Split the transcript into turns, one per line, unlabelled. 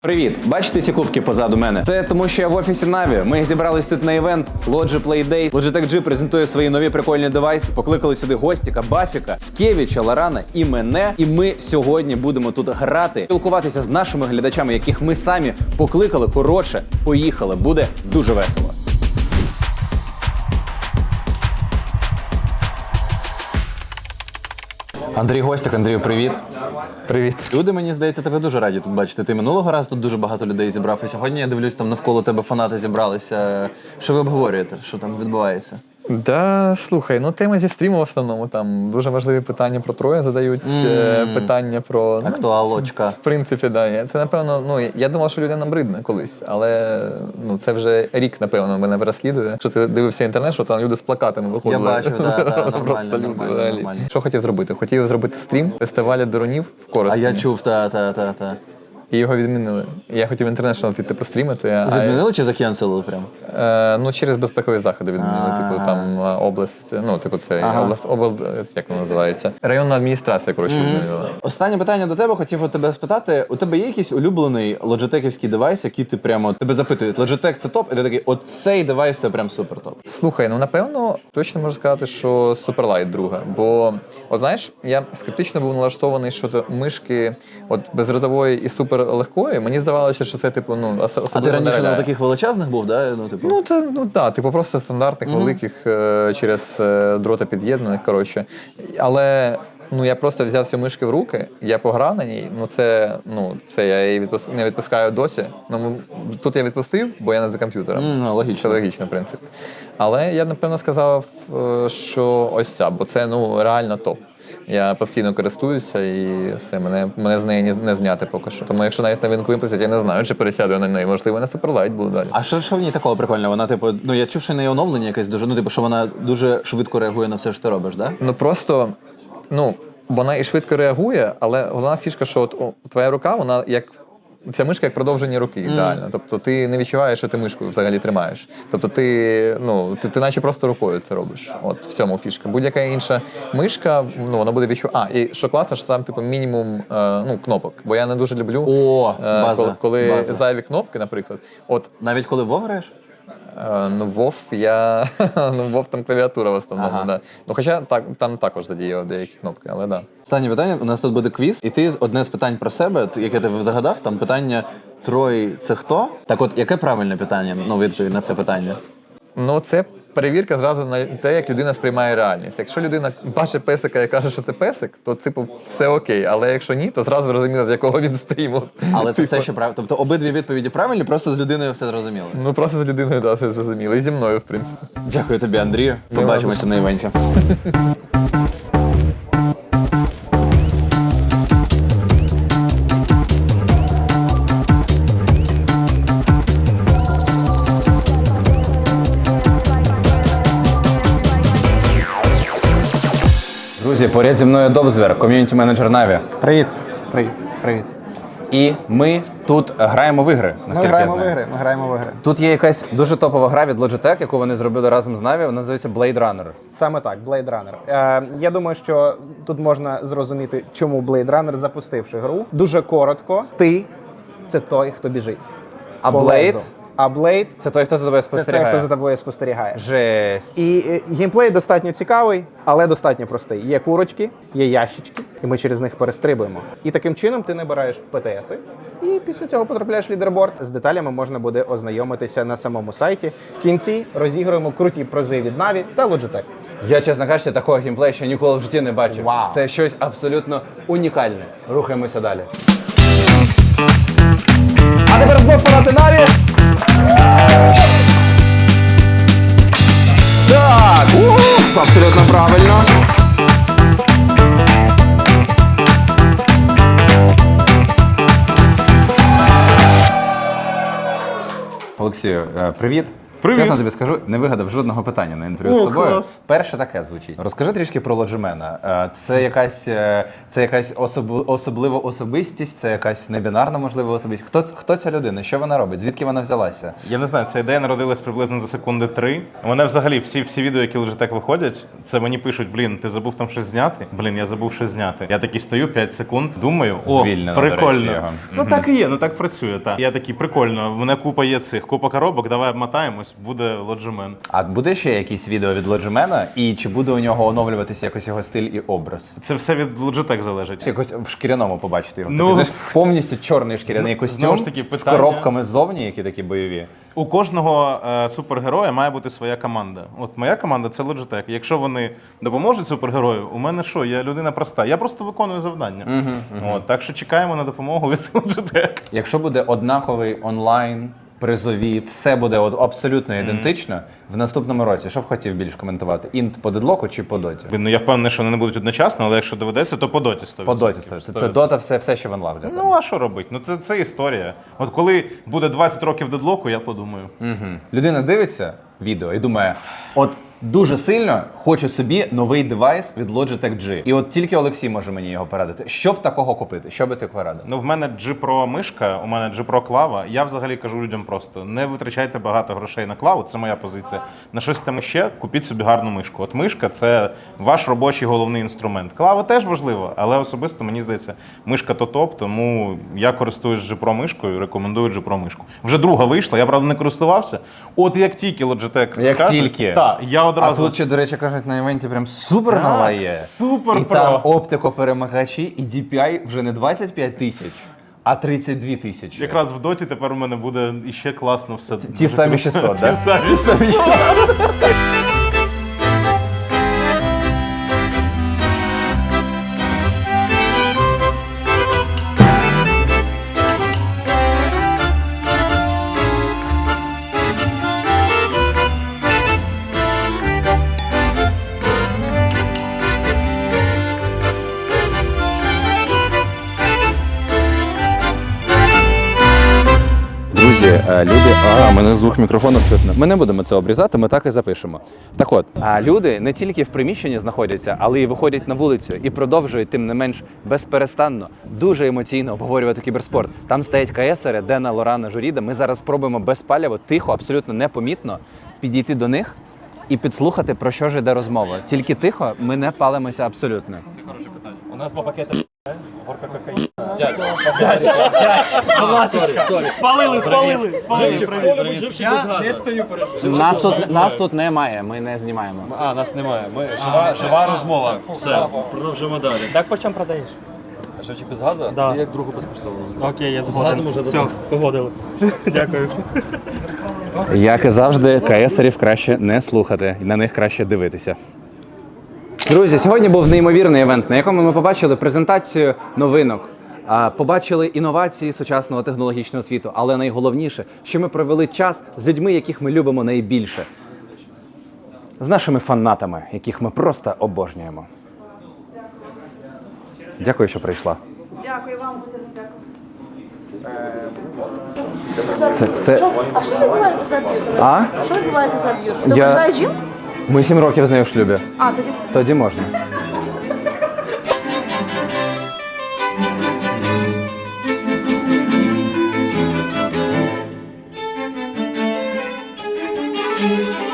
Привіт! Бачите ці кубки позаду мене? Це тому, що я в офісі Na'Vi. Ми зібрались тут на івент Logi Play Day. Logitech G презентує свої нові прикольні девайси. Покликали сюди Гостіка, Бафіка, Скевіча, Лорана і мене. І ми сьогодні будемо тут грати, спілкуватися з нашими глядачами, яких ми самі покликали. Коротше, поїхали. Буде дуже весело. Андрій Гостік. Андрію, привіт.
Привіт.
Люди, мені здається, тебе дуже раді тут бачити. Ти минулого разу тут дуже багато людей зібрав, і сьогодні я дивлюсь, там навколо тебе фанати зібралися. Що ви обговорюєте? Що там відбувається?
Да, слухай, ну тема зі стріму в основному, там дуже важливі питання про Троя задають, питання про...
Актуалочка.
В принципі, да. Це, напевно, я думав, що людям набридне колись, але це вже рік, напевно, мене переслідує. Якщо ти дивився інтернет, що там люди з плакатами виходили.
Я бачу, так,
Просто люди,
нормально.
Що хотів зробити? Хотів зробити стрім фестивалю дронів в Коростені.
А я чув, та.
І його відмінили. Я хотів International звідти пострімити.
Відмінили чи закенселили прямо?
Через безпекові заходи відмінили. Типу там область, область, як воно називається? Районна адміністрація, відмінила.
Останнє питання до тебе, хотів у тебе спитати. У тебе є якийсь улюблений лоджитеківський девайс, який ти прямо, тебе запитують, Logitech це топ? І ти такий, от цей девайс це прям супер топ.
Слухай, напевно, точно можу сказати, що Superlight друга. Бо, знаєш, я скептично був налаштований щодо мишки безродової і супер легкої, мені здавалося, що це особливо.
А ти раніше на таких величезних був, да?
Просто стандартних, великих, через дрота під'єднаних, коротше. Але я просто взяв цю мишки в руки, я пограв на ній, це я її не відпускаю досі. Тут я відпустив, бо я не за комп'ютером.
Логічно.
Це логічно, в принципі. Але я, напевно, сказав, що ось ця, бо це, реально топ. Я постійно користуюся і все, мене з неї не зняти поки що. Тому якщо навіть новинку випустять, я не знаю, чи пересяду на неї. Можливо, на Superlight буду далі.
А що в ній такого прикольного? Вона, я чув, що в неї оновлення якесь дуже, що вона дуже швидко реагує на все, що ти робиш, да?
Вона і швидко реагує, але головна фішка, що твоя рука, вона ця мишка як продовження руки, ідеально. Тобто ти не відчуваєш, що ти мишку взагалі тримаєш. Тобто ти наче просто рукою це робиш. От в цьому фішка. Будь-яка інша мишка, вона буде відчувати. І що класно, що там мінімум кнопок. Бо я не дуже люблю, коли зайві кнопки, наприклад.
Навіть коли WoW граєш?
Вов там клавіатура в основному, да. Хоча там також є деякі кнопки, але да.
Останнє питання, у нас тут буде квіз, і ти одне з питань про себе, яке ти загадав, там питання Трой це хто? Так от, яке правильне питання, відповідь на це питання?
Це перевірка зразу на те, як людина сприймає реальність. Якщо людина бачить песика і каже, що це песик, то все окей. Але якщо ні, то зразу зрозуміло, з якого він стріму.
Але це все ще правильно. Тобто обидві відповіді правильні, просто з людиною все зрозуміло.
Просто з людиною, так, все зрозуміло. І зі мною, в принципі.
Дякую тобі, Андрію. Побачимося на івенті. Друзі, поряд зі мною Добзвер, ком'юніті-менеджер Na'Vi.
Привіт.
І ми тут граємо в ігри, наскільки я знаю.
Ми граємо в ігри.
Тут є якась дуже топова гра від Logitech, яку вони зробили разом з Na'Vi, вона називається Blade Runner.
Саме так, Blade Runner. Я думаю, що тут можна зрозуміти, чому Blade Runner, запустивши гру. Дуже коротко, ти – це той, хто біжить.
А
по
Blade?
лезу. А Blade
Це той, хто за тобою
– це
спостерігає.
той, хто за тобою спостерігає.
Жесть.
І геймплей достатньо цікавий, але достатньо простий. Є курочки, є ящички, і ми через них перестрибуємо. І таким чином ти набираєш ПТСи, і після цього потрапляєш в лідерборд. З деталями можна буде ознайомитися на самому сайті. В кінці розігруємо круті призи від Na'Vi та Logitech.
Я, чесно кажучи, такого геймплею ще ніколи в житті не бачив.
Вау.
Це щось абсолютно унікальне. Рухаємося далі. А тепер знов фанати Na'Vi! Так! Абсолютно правильно. Олексію, привіт.
Привіт.
Чесно тобі скажу, не вигадав жодного питання на інтерв'ю з тобою.
Клас.
Перше таке звучить. Розкажи трішки про Лоджимена. Це якась особлива особистість, це якась небінарна, можливо, особистість. Хто ця людина? Що вона робить? Звідки вона взялася?
Я не знаю, ця ідея народилась приблизно за секунди 3. У мене взагалі всі відео, які Logitech виходять, це мені пишуть, блін, ти забув там щось зняти? Блін, я забув щось зняти. Я такий стою 5 секунд, думаю,
Звільнено, до речі,
прикольно.
його.
Ну так і є, ну так працює, так. Я такий, прикольно, в мене купа є купа коробок, давай обмотаємось, буде Logimon.
А буде ще якісь відео від Лоджимена? І чи буде у нього оновлюватися якось його стиль і образ?
Це все від Logitech залежить.
Якось в шкіряному побачити його.
Ну,
Такий, знаєш, повністю чорний шкіряний
знову
костюм
ж таки,
з
питання-
коробками ззовні, які такі бойові.
У кожного супергероя має бути своя команда. От моя команда це Logitech. Якщо вони допоможуть супергерою, у мене що? Я людина проста. Я просто виконую завдання. От, так що чекаємо на допомогу від Logitech.
Якщо буде однаковий онлайн, призові, все буде абсолютно ідентично в наступному році, що б хотів більш коментувати? Інт по дедлоку чи по доті?
Ну я впевнений, що вони не будуть одночасно, але якщо доведеться, то по доті 100%.
По доті ставиться. Це дота все ще в онлайн.
Ну а що робити? Ну це історія. От коли буде 20 років дедлоку, я подумаю.
Людина дивиться відео і думає, от дуже сильно хочу собі новий девайс від Logitech G. І от тільки Олексій може мені його порадити. Що б такого купити? Що би ти порадив?
Ну, в мене G Pro мишка, у мене G Pro клава. Я взагалі кажу людям просто: не витрачайте багато грошей на клаву, це моя позиція. На щось там ще купіть собі гарну мишку. От мишка це ваш робочий головний інструмент. Клава теж важлива, але особисто мені здається, мишка то топ, тому я користуюсь G Pro мишкою, рекомендую G Pro мишку. Вже друга вийшла, я правда не користувався. От як тільки Logitech
Як
скаже,
тільки.
Так, я
А
одразу.
тут ще, до речі, кажуть, на івенті прям супер нова є.
Супер
І
Pro.
там оптикоперемагачі, і DPI вже не 25 тисяч, а 32 тисячі.
Якраз в доті тепер у мене буде іще класно все.
Ті самі 600,
Ті
так?
самі
Ті самі 600. Друзі, люди, мене з двох мікрофонів чутно. Ми не будемо це обрізати, ми так і запишемо. Так от, люди не тільки в приміщенні знаходяться, але й виходять на вулицю і продовжують, тим не менш, безперестанно, дуже емоційно обговорювати кіберспорт. Там стоять КСери, Дена, Лорана, Журіда. Ми зараз спробуємо безпаліво, тихо, абсолютно непомітно підійти до них і підслухати, про що ж йде розмова. Тільки тихо, ми не палимося абсолютно.
У нас 2 пакети горка кокаїну. Спалили. Хто любить живчик без газу?
Нас тут немає, ми не знімаємо.
А, нас немає. Ми жива розмова. Все, продовжуємо далі.
Так по чому продаєш?
Живчик без газу?
Да.
І як другу безкоштовно.
Окей, я
З газом
згоден.
уже
Все,
додому.
погодили. Дякую.
Як і завжди, КСерів краще не слухати, і на них краще дивитися. Друзі, сьогодні був неймовірний івент, на якому ми побачили презентацію новинок, побачили інновації сучасного технологічного світу, але найголовніше, що ми провели час з людьми, яких ми любимо найбільше. З нашими фанатами, яких ми просто обожнюємо. Дякую, що прийшла.
Дякую вам, дуже дякую.
Це...
А що відбувається за аб'юз?
А?
Що відбувається за аб'юз? Ти
Я-
ображаєш жінку?
Ми 7 років з нею в шлюбі.
А, тоді все.
Тоді можна.
Дякую.